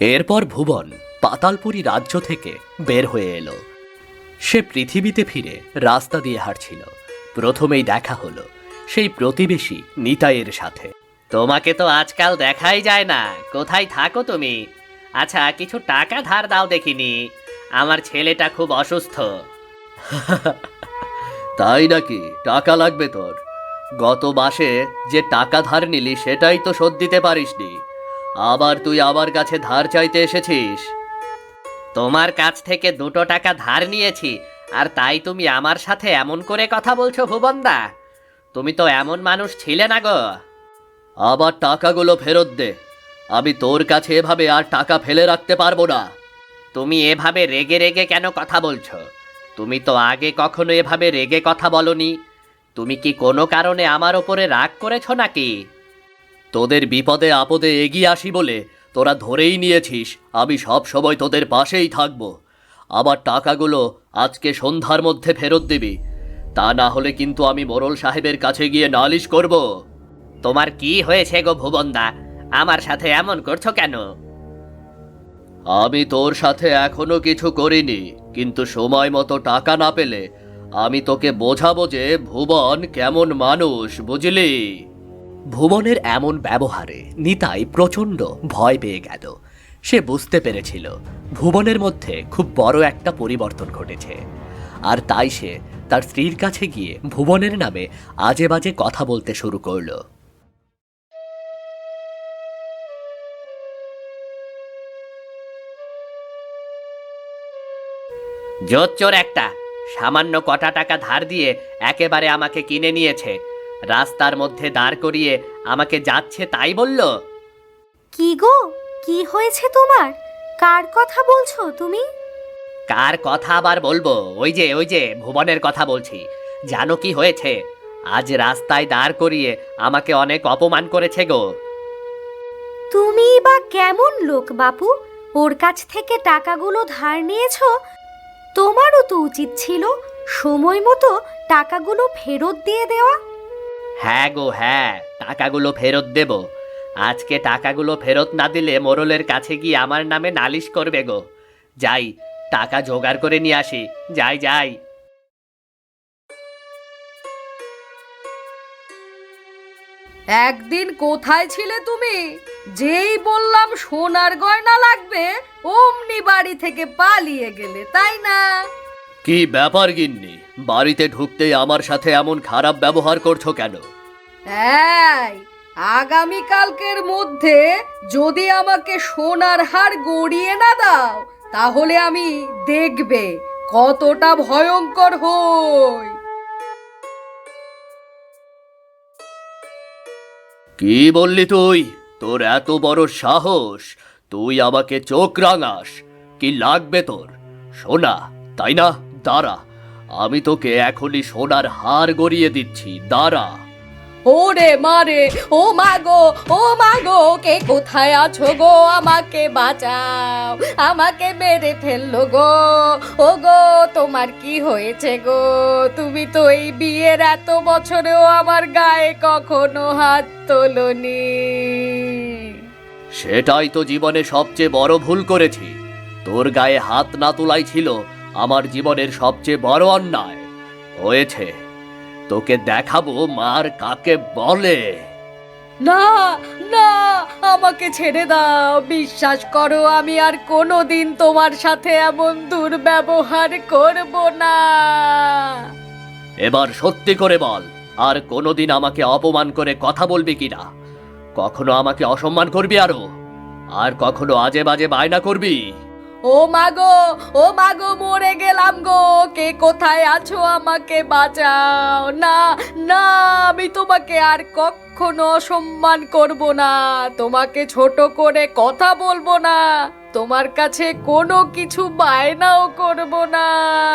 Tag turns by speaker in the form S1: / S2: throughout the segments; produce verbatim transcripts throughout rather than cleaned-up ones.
S1: এরপর ভুবন পাতালপুরী রাজ্য থেকে বের হয়ে এলো। সে পৃথিবীতে ফিরে রাস্তা দিয়ে হাঁটছিল। প্রথমেই দেখা হলো সেই প্রতিবেশী নিতাইয়ের সাথে। তোমাকে তো আজকাল দেখাই যায় না, কোথায় থাকো তুমি? আচ্ছা, কিছু টাকা ধার দাও দেখিনি, আমার ছেলেটা খুব অসুস্থ। তাই নাকি? টাকা লাগবে তোর? গত মাসে যে টাকা ধার নিলি সেটাই তো শোধ দিতে পারিসনি, আবার তুই আমার কাছে ধার চাইতে এসেছিস? তোমার কাছ থেকে দুটো টাকা ধার নিয়েছি, আর তাই তুমি আমার সাথে এমন করে কথা বলছো ভুবনদা? তুমি তো এমন মানুষ ছিলে না গো। আবার টাকাগুলো ফেরত দে, আমি তোর কাছে এভাবে আর টাকা ফেলে রাখতে পারবো না। তুমি এভাবে রেগে রেগে কেন কথা বলছো? তুমি তো আগে কখনো এভাবে রেগে কথা বলনি। তুমি কি কোনো কারণে আমার ওপরে রাগ করেছো নাকি? তোদের বিপদে আপদে এগিয়ে আসি বলে তোরা ধরেই নিয়েছিস আমি সব সময় তোদের পাশেই থাকব। আবার টাকাগুলো আজকে সন্ধ্যার মধ্যে ফেরত দিবি, তা না হলে কিন্তু আমি মোড়ল সাহেবের কাছে গিয়ে নালিশ করব। তোমার কি হয়েছে গো ভুবনদা, আমার সাথে এমন করছো কেন? আমি তোর সাথে এখনো কিছু করিনি, কিন্তু সময় মতো টাকা না পেলে আমি তোকে বোঝাবো যে ভুবন কেমন মানুষ, বুঝলি? ভুবনের এমন ব্যবহারে নিতাই প্রচণ্ড ভয় পেয়ে গেল। সে বুঝতে পেরেছিল ভুবনের মধ্যে খুব বড় একটা পরিবর্তন ঘটেছে, আর তাই সে তার স্ত্রীর কাছে গিয়ে ভুবনের নামে আজে বাজে কথা বলতে শুরু করলো। জোচ্চোর একটা, সামান্য কটা টাকা ধার দিয়ে একেবারে আমাকে কিনে নিয়েছে, রাস্তার মধ্যে দাঁড় করিয়ে আমাকে যাচ্ছে তাই বলল।
S2: কি গো, কি হয়েছে তোমার? কার কথা বলছো তুমি?
S1: কার কথা আবার বলবো? ওই যে ওই যে ভুবনের কথা বলছি। জানো কি হয়েছে? আজ রাস্তায় দাঁড় করিয়ে আমাকে অনেক অপমান করেছে গো।
S2: তুমি বা কেমন লোক বাপু, ওর কাছ থেকে টাকাগুলো ধার নিয়েছো? তোমারও তো উচিত ছিল সময় মতো টাকাগুলো ফেরত দিয়ে দেওয়া।
S1: হ্যাঁ গো হ্যাঁ, টাকাগুলো ফেরত দেব। আজকে টাকাগুলো ফেরত না দিলে মোড়লের কাছে গিয়ে আমার নামে নালিশ করবে গো। যাই, টাকা জোগাড় করে নিয়ে আসি। যাই যাই।
S3: একদিন কোথায় ছিলে তুমি? যেই বললাম সোনার গয়না লাগবে, অমনি বাড়ি থেকে পালিয়ে গেলে, তাই না?
S1: কি ব্যাপার গিন্নি, বাড়িতে ঢুকতেই আমার সাথে এমন খারাপ ব্যবহার করছো কেন?
S3: এই, আগামী কালকের মধ্যে যদি আমাকে সোনার হার গড়িয়ে না দাও, তাহলে আমি দেখবে কতটা ভয়ঙ্কর হই।
S1: কি বললি তুই? তোর এত বড় সাহস, তুই আমাকে চোখ রাঙাস? কি লাগবে তোর? সোনা, তাই না? দাঁড়া, আমি তোকে এখনই সোনার হার গড়িয়ে দিচ্ছি, দাঁড়া।
S3: ওরে মারে, ও মাগো, ও মাগো, কে কোথায় আছো গো? আমাকে বাঁচাও, আমাকে মেরে ফেললো গো। ও গো, তোমার কি হয়েছে গো? তুমি তো এই বিয়ের এত বছরেও আমার গায়ে কখনো হাত তোলনি।
S1: সেটাই তো জীবনে সবচেয়ে বড় ভুল করেছি। তোর গায়ে হাত না তোলাই ছিল আমার জীবনের সবচেয়ে বড় অন্যায়। হয়েছে, তোকে দেখাবো মার কাকে বলে।
S3: না, না, আমাকে ছেড়ে দাও। বিশ্বাস করো, আমি আর কোনোদিন তোমার সাথে এমন দুর্ব্যবহার করব না।
S1: এবার সত্যি করে বল, আর কোনোদিন আমাকে অপমান করে কথা বলবি কিনা? কখনো আমাকে অসম্মান করবি আরো? আর কখনো আজে বাজে বায়না করবি?
S3: ও মাগো, ও মাগো, মরে গেলাম গো। কে কোথায় আছো? আমাকে বাঁচাও। না, না, আমি তোমাকে আর কখনো অসম্মান করব না, তোমাকে ছোট করে কথা বলবো না, তোমার কাছে কোনো কিছু বায়নাও করব না।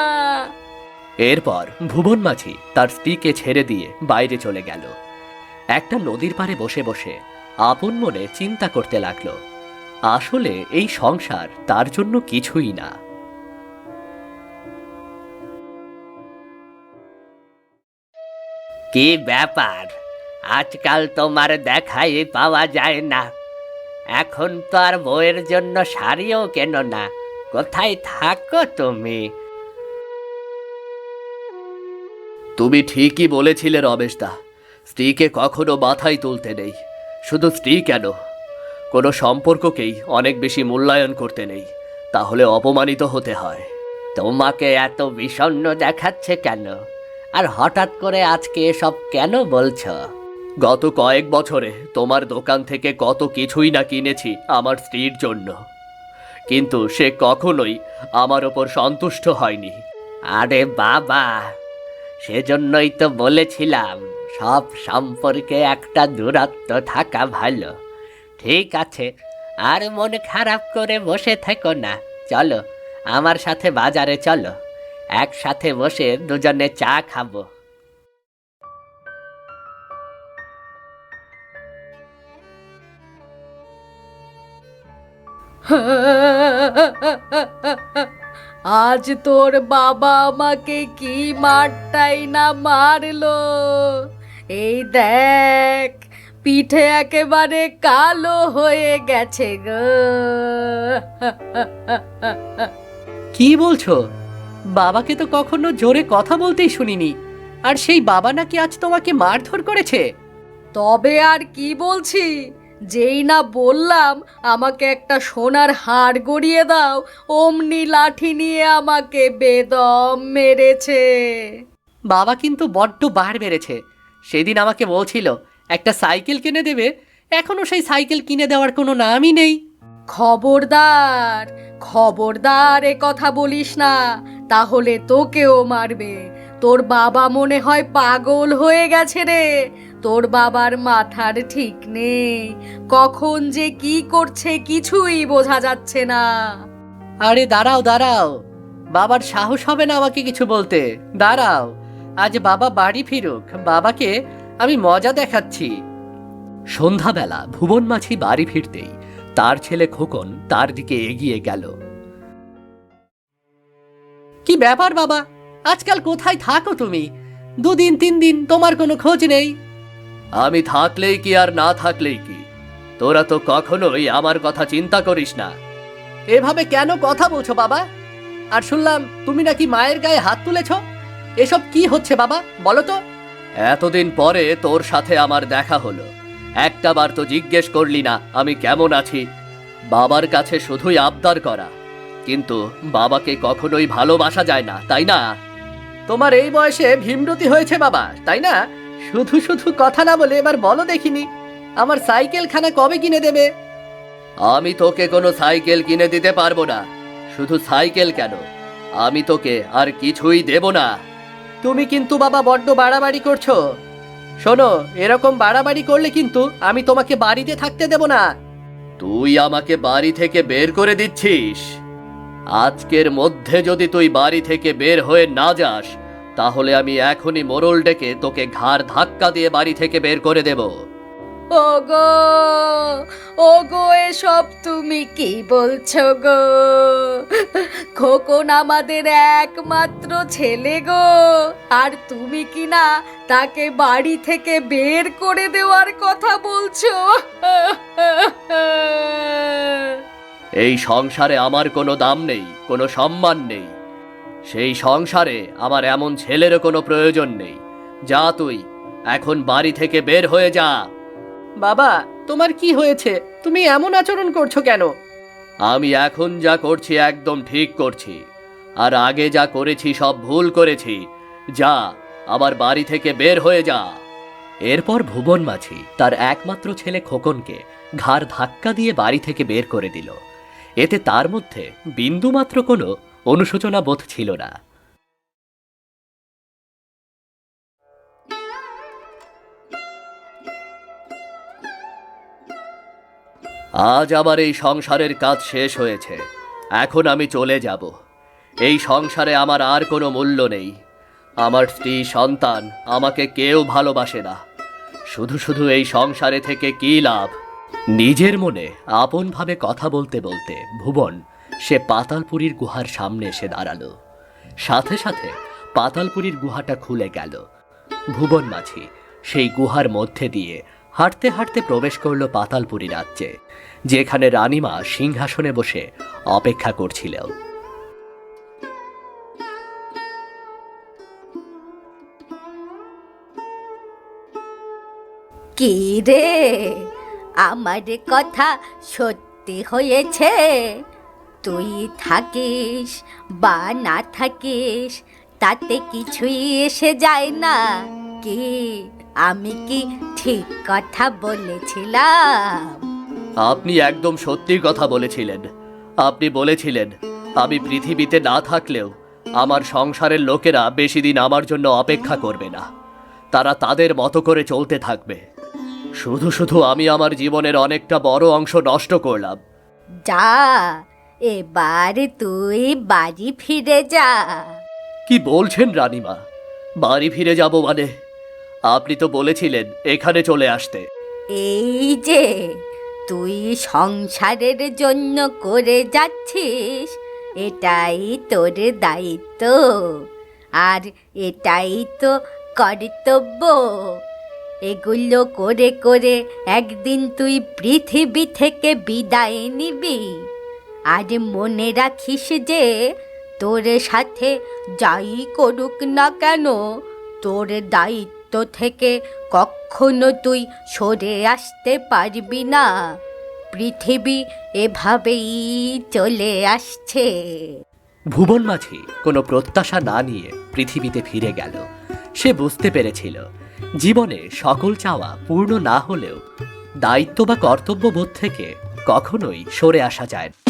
S1: এরপর ভুবন মাঝি তার স্ত্রীকে ছেড়ে দিয়ে বাইরে চলে গেল। একটা নদীর পাড়ে বসে বসে আপন মনে চিন্তা করতে লাগলো, আসলে এই সংসার তার জন্য কিছুই না। কি ব্যাপার, আজকাল তোমার দেখাই পাওয়া যায় না? এখন তো আর বউয়ের জন্য শাড়িও কেনো না, কোথায় থাকো তুমি? তুমি ঠিকই বলেছিলে রমেশদা, স্ত্রীকে কখনো মাথায় তুলতে নেই। শুধু স্ত্রী কেন, কোনো সম্পর্ককেই অনেক বেশি মূল্যায়ন করতে নেই, তাহলে অপমানিত হতে হয়। তোমাকে এত বিষণ্ণ দেখাচ্ছে কেন, আর হঠাৎ করে আজকে এসব কেন বলছো? গত কয়েক বছরে তোমার দোকান থেকে কত কিছুই না কিনেছি আমার স্ত্রীর জন্য, কিন্তু সে কখনোই আমার ওপর সন্তুষ্ট হয়নি। আরে বাবা, সেজন্যই তো বলেছিলাম সব সম্পর্কে একটা দূরত্ব থাকা ভালো। ঠিক আছে, আর মন খারাপ করে বসে থেকো না, চলো আমার সাথে বাজারে চলো, একসাথে বসে দুজনে চা খাবো।
S3: আজ তোর বাবা আমাকে কি মারটাই না মারলো। এই দেখ, পিঠে একেবারে কালো হয়ে গেছে গো।
S1: কি বলছো? বাবাকে তো কখনো জোরে কথা বলতেই শুনিনি, আর সেই বাবা নাকি আজ তোমাকে মারধর করেছে?
S3: তবে আর কি বলছি, যেই না বললাম আমাকে একটা সোনার হাড় গড়িয়ে দাও, অমনি লাঠি নিয়ে আমাকে বেদম মেরেছে।
S1: বাবা কিন্তু বড্ড বার বেড়েছে। সেদিন আমাকে বলছিল একটা সাইকেল কিনে দেবে, এখনো সেই সাইকেল কিনে দেওয়ার কোনো নামই নেই।
S3: খবরদার, খবরদার এ কথা বলিস না, তাহলে তোকেও মারবে। তোর বাবা মনে হয় পাগল হয়ে গেছে রে। তোর বাবার মাথার ঠিক নেই, কখন যে কি করছে কিছুই বোঝা যাচ্ছে না।
S1: আরে দাঁড়াও দাঁড়াও, বাবার সাহস হবে না আমাকে কিছু বলতে। দাঁড়াও, আজ বাবা বাড়ি ফিরুক, বাবাকে আমি মজা দেখাচ্ছি। সন্ধ্যাবেলা ভুবন মাঝি বাড়ি ফিরতেই তার ছেলে খোকন তার দিকে এগিয়ে গেল। কি ব্যাপার বাবা, আজকাল কোথায় থাকো তুমি? দুদিন তিন দিন তোমার কোনো খোঁজ নেই। আমি থাকলেই কি আর না থাকলেই কি, তোরা তো কখনোই আমার কথা চিন্তা করিস না। এভাবে কেন কথা বলছো বাবা? আর শুনলাম তুমি নাকি মায়ের গায়ে হাত তুলেছ, এসব কি হচ্ছে বাবা বলো তো? এতদিন পরে তোর সাথে আমার দেখা হলো, একটা বার তো জিজ্ঞেস করলি না আমি কেমন আছি। বাবার কাছে শুধুই আবদার করা, কিন্তু বাবাকে কখনোই ভালোবাসা যায় না, তাই না? তোমার এই বয়সে ভীমরতি হয়েছে বাবা, তাই না? শুধু শুধু কথা না বলে এবার বলো দেখিনি, আমার সাইকেল খানা কবে কিনে দেবে? আমি তোকে কোনো সাইকেল কিনে দিতে পারবো না। শুধু সাইকেল কেন, আমি তোকে আর কিছুই দেব না। তুমি কিন্তু বাবা বড্ড বাড়াবাড়ি করছো। শোনো, এরকম বাড়াবাড়ি করলে কিন্তু আমি তোমাকে বাড়িতে থাকতে দেব না। তুই আমাকে বাড়ি থেকে বের করে দিচ্ছিস? আজকের মধ্যে যদি তুই বাড়ি থেকে বের হয়ে না যাস, তাহলে আমি এখনই মোড়ল ডেকে তোকে ঘাড় ধাক্কা দিয়ে বাড়ি থেকে বের করে দেব।
S3: ওগো, ওগো, এসব তুমি কি বলছো গো? খোকন আমাদের একমাত্র ছেলে গো, আর তুমি কি না তাকে বাড়ি থেকে বের করে দেওয়ার কথা বলছো?
S1: এই সংসারে আমার কোনো দাম নেই, কোনো সম্মান নেই। সেই সংসারে আমার এমন ছেলেরও কোনো প্রয়োজন নেই। যা তুই এখন বাড়ি থেকে বের হয়ে যা। বাবা, তোমার কি হয়েছে? তুমি এমন আচরণ করছো কেন? আমি এখন যা করছি একদম ঠিক করছি, আর আগে যা করেছি সব ভুল করেছি। যা, আবার বাড়ি থেকে বের হয়ে যা। এরপর ভুবন মাঝি তার একমাত্র ছেলে খোকনকে ঘাড় ধাক্কা দিয়ে বাড়ি থেকে বের করে দিল। এতে তার মধ্যে বিন্দুমাত্র কোনো অনুশোচনা বোধ ছিল না। আজ আমার এই সংসারের কাজ শেষ হয়েছে, এখন আমি চলে যাব। এই সংসারে আমার আর কোনো মূল্য নেই। আমার স্ত্রী সন্তান আমাকে কেউ ভালোবাসে না। শুধু শুধু এই সংসারে থেকে কি লাভ? নিজের মনে আপনভাবে কথা বলতে বলতে ভুবন সে পাতালপুরীর গুহার সামনে এসে দাঁড়ালো। সাথে সাথে পাতালপুরীর গুহাটা খুলে গেল। ভুবন মাঝি সেই গুহার মধ্যে দিয়ে হাঁটতে হাঁটতে প্রবেশ করলো পাতালপুরী রাজ্যে, যেখানে রানীমা সিংহাসনে বসে অপেক্ষা করছিল।
S2: কি রে, আমার কথা সত্যি হয়েছে? তুই থাকিস বা না থাকিস তাতে কিছুই এসে যায় না। কি আমি কি ঠিক কথা বলেছিলাম?
S1: আপনি একদম সত্যি কথা বলেছিলেন। আপনি বলেছিলেন আমি পৃথিবীতে না থাকলেও আমার সংসারের লোকেরা বেশি দিন আমার জন্য অপেক্ষা করবে না, তারা তাদের মতো করে চলতে থাকবে। শুধু শুধু আমি আমার জীবনের অনেকটা বড় অংশ নষ্ট করলাম।
S2: যা, এবার তুই বাড়ি ফিরে যা।
S1: কি বলছেন রানীমা? বাড়ি ফিরে যাব মানে? আপনি তো বলেছিলেন এখানে চলে আসতে।
S2: এই যে তুই সংসারের জন্য করে যাচ্ছিস, এটাই তোর দায়িত্ব আর এটাই তো কর্তব্য। এগুলো করে করে একদিন তুই পৃথিবী থেকে বিদায় নিবি। আর মনে রাখিস যে তোর সাথে যাই করুক না কেন, তোর দায়িত্ব থেকে কখনো তুই সরে আসতে পারবি না। পৃথিবী এভাবেই চলে আসছে।
S1: ভুবন মাঝি কোনো প্রত্যাশা না নিয়ে পৃথিবীতে ফিরে গেল। সে বুঝতে পেরেছিল জীবনে সকল চাওয়া পূর্ণ না হলেও দায়িত্ব বা কর্তব্যবোধ থেকে কখনোই সরে আসা যায় না।